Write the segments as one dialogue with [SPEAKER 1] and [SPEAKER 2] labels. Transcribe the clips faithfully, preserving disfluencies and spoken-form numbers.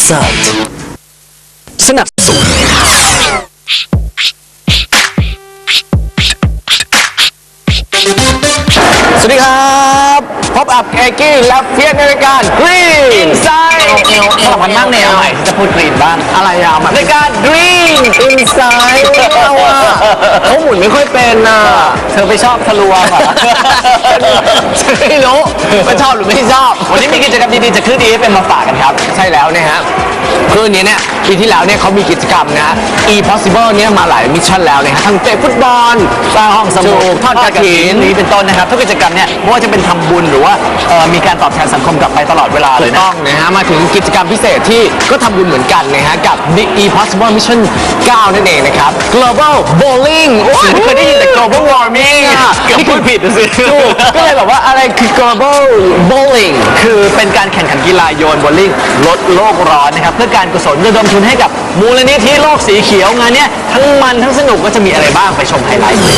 [SPEAKER 1] Inside สนับสนุนสวัสดีครับพบกับเอกี้และเพียรในรายการ Green Inside
[SPEAKER 2] เอวเอวมันนั่งแนวหน่อยจะพูดกรีนบ้างอะไรอ่ะมัน
[SPEAKER 1] รายการ Green Inside เราอะเขาหมุนไม่ค่อยเป็นอ่ะ
[SPEAKER 2] เธอไปชอบทะลวงเหรอ
[SPEAKER 1] ฉันไม่รู้ว่าชอบหรือไม่ชอบ
[SPEAKER 2] วันนี้มีกิจกรรมดีๆจะขึ้นดีเป็นมาฝากกันครับ
[SPEAKER 1] ใช่แล้วนะฮะคืออันนี้เนี่ยปีที่แล้วเนี่ยเขามีกิจกรรมนะ e possible เนี่ยมาหลายมิชชั่นแล้วนะฮะทั้งเตะฟุตบอล
[SPEAKER 2] สร้างห้องสมุด
[SPEAKER 1] ทอดกฐิน
[SPEAKER 2] นี้เป็นต้นนะครับทุกกิจกรรมเนี่ยไม่ว่าจะเป็นทำบุญหรือว่าเอ่อมีการตอบแทนสังคมกลับไปตลอดเวลาเล
[SPEAKER 1] ถู
[SPEAKER 2] ย
[SPEAKER 1] ก
[SPEAKER 2] นะ
[SPEAKER 1] ต้องนะฮะมาถึงกิจกรรมพิเศษที่ก็ทำบุญเหมือนกันนะฮะกับ The e possible mission เก้านั่นเองนะครับ global bowling โอ้ย
[SPEAKER 2] เคยได้ยินแต่ global warming เกือบพูดผิดสิ
[SPEAKER 1] ถูกก็เลยแบบว่าอะไรคือ global bowling
[SPEAKER 2] คือเป็นการแข่งขันกีฬาโยนโบว์ลิ่งลดโลกร้อนนะครับเพื่อการกุศลระดมทุนให้กับมูลนิธิโลกสีเขียวงานเนี้ยทั้งมันทั้งสนุกก็จะมีอะไรบ้างไปชมไฮไลท์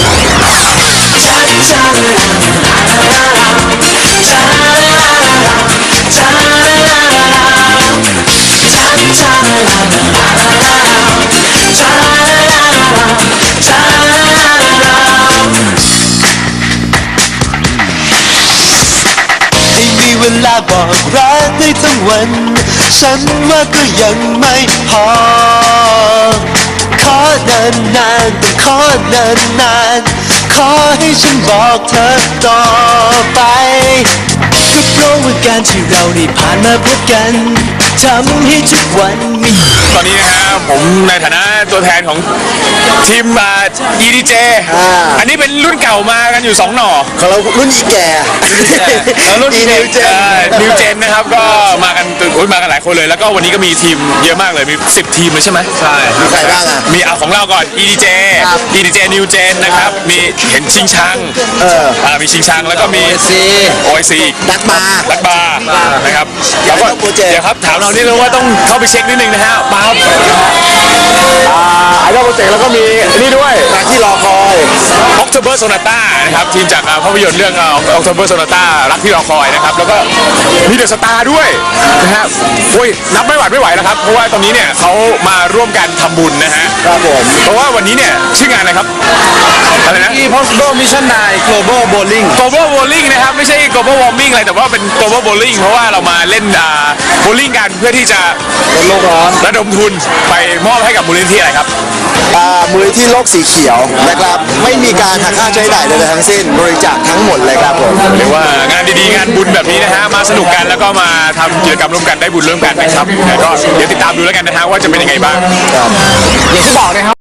[SPEAKER 3] ให้มีเวลาบอกรักได้ทั้งวัน ฉันว่าก็ยังไม่พอ ขอนานนานๆต้องขอนานนานๆขอให้ฉันบอกเธอต่อไปก็เพราะว่าการที่เราได้ผ่านมาพบกันทำให้ทุกวันมี
[SPEAKER 4] ตอนนี้นะฮะผมในฐานะตัวแทนของทีมอ่า อี ดี เจ อันนี้เป็นรุ่นเก่ามากันอยู่สองหน่อ
[SPEAKER 3] ของเรารุ่นอีแก่
[SPEAKER 4] แล้วรุ่น
[SPEAKER 3] อีนิวเจน
[SPEAKER 4] นิวเจนนะครับก็มากันโอ้ยมากันหลายคนเลย แล้วก็วันนี้ก็มีทีมเยอะมากเลยมีสิบทีมเลยใช่ไหมใช่
[SPEAKER 3] มีใครบ้างอ่ะ
[SPEAKER 4] มีเอาของเราก่อน อี ดี เจ อี ดี เจ นิวเจนนะครับมีเห็นชิงชัง
[SPEAKER 3] เออ
[SPEAKER 4] อ่ามีชิงชังแล้วก็มี
[SPEAKER 1] ซี
[SPEAKER 4] โอไอซี
[SPEAKER 3] ดักบาร์
[SPEAKER 4] ลักบาร์นะครับแล้วก็
[SPEAKER 3] โปรเจกต์
[SPEAKER 4] เดี๋ยวครับถามเรานิดนึงว่าต้องเข้าไปเช็คนิดนึงนะฮะมาครับ
[SPEAKER 1] ไอดอลโปรเจกต์แล้วก็มีนี่ด้วย
[SPEAKER 3] งานที่รอคอย
[SPEAKER 4] October Sonata นะครับทีมจากอ่าภาพยนตร์เรื่องอ่า October Sonata รักที่รอคอยนะครับแล้วก็มีเดอะสตาร์ด้วยนะฮะโอ้ยนับไม่หวาดไม่ไหวแล้วครับเพราะว่าตอนนี้เนี่ยเขามาร่วมกันทำบุญนะฮะ
[SPEAKER 3] ครับผม
[SPEAKER 4] เพราะว่าวันนี้เนี่ยชื่องานอะไรครับอะไรนะ
[SPEAKER 3] e possible mission ไนน์ global bowling
[SPEAKER 4] Global Bowling นะครับไม่ใช่ Global Warming อะไรแต่ว่าเป็น Global Bowling เพราะว่าเรามาเล่นอ่าโบลิ่งกันเพื่อที่จะ
[SPEAKER 3] ลดโลกร้อน
[SPEAKER 4] ระดมทุนไปมอบให้กับมูลนิธิอะไรครับ
[SPEAKER 3] อ่ามูลนิธิโลกสีเขียวนะครับ ไม่มีการหักค่าใช้จ่ายใดๆทั้งสิ้นบริจาคทั้งหมดเลยครับผม
[SPEAKER 4] เรียกว่างานดีๆ งานบุญแบบนี้นะฮะมาสนุกกันแล้วก็มาทำกิจกรรมร่วมกันได้บุญร่วมกันนะครับแล้วก็เดี๋ยวติดตามดูแล้วกันนะฮะว่าจะเป็นยังไงบ้าง
[SPEAKER 1] อย่างที่บอกนะครับ